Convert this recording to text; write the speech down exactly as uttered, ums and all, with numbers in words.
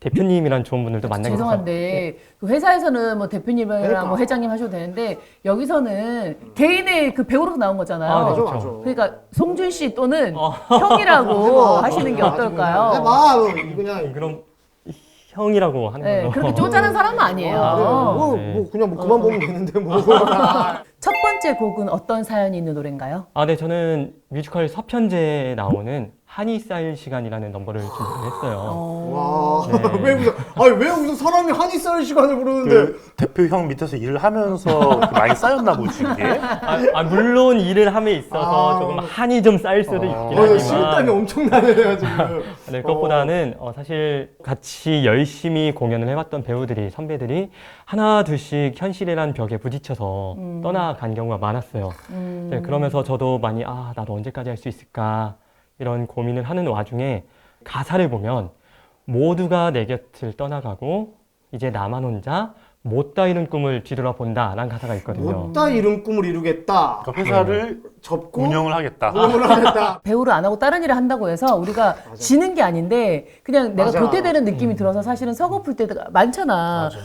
대표님이란 좋은 분들도 만나게 돼서 죄송한데 그 회사에서는 뭐 대표님이랑 그러니까. 뭐 회장님 하셔도 되는데 여기서는 개인의 그 배우로서 나온 거잖아요. 아, 네, 맞아, 그렇죠. 맞아. 그러니까 송준 씨 또는 어. 형이라고 해봐. 하시는 게 해봐. 어떨까요? 해봐. 그냥 그럼 형이라고 하는 네, 걸로. 그렇게 쪼잔한 사람은 아니에요. 아, 네. 뭐, 네. 뭐 그냥 뭐 그만 보면 되는데 뭐. 첫 번째 곡은 어떤 사연이 있는 노래인가요? 아, 네, 저는 뮤지컬 서편제에 나오는 한이 쌓일 시간이라는 넘버를 준비를 했어요. 어... 와. 네. 왜 무슨 아니 왜 무슨 사람이 한이 쌓일 시간을 부르는데 그 대표 형 밑에서 일을 하면서 많이 쌓였나 보지 이게. 아, 아, 물론 일을 함에 있어서 아. 조금 한이 좀 쌓일 수도 있긴 어, 하지만 식당이 엄청나네요 지금. 네, 그것보다는 어, 사실 같이 열심히 공연을 해왔던 배우들이, 선배들이 하나 둘씩 현실이란 벽에 부딪혀서 음. 떠나간 경우가 많았어요. 음... 네, 그러면서 저도 많이 아, 나도 언제까지 할 수 있을까 이런 고민을 하는 와중에 가사를 보면 모두가 내 곁을 떠나가고 이제 나만 혼자 못다 이룬 꿈을 뒤돌아본다 라는 가사가 있거든요. 못다 이룬 꿈을 이루겠다. 그러니까 회사를 접고 운영을 하겠다. 운영을 하겠다. 배우를 안 하고 다른 일을 한다고 해서 우리가 지는 게 아닌데 그냥 내가 맞아. 도태되는 느낌이 들어서 사실은 서글플 때가 많잖아. 맞아.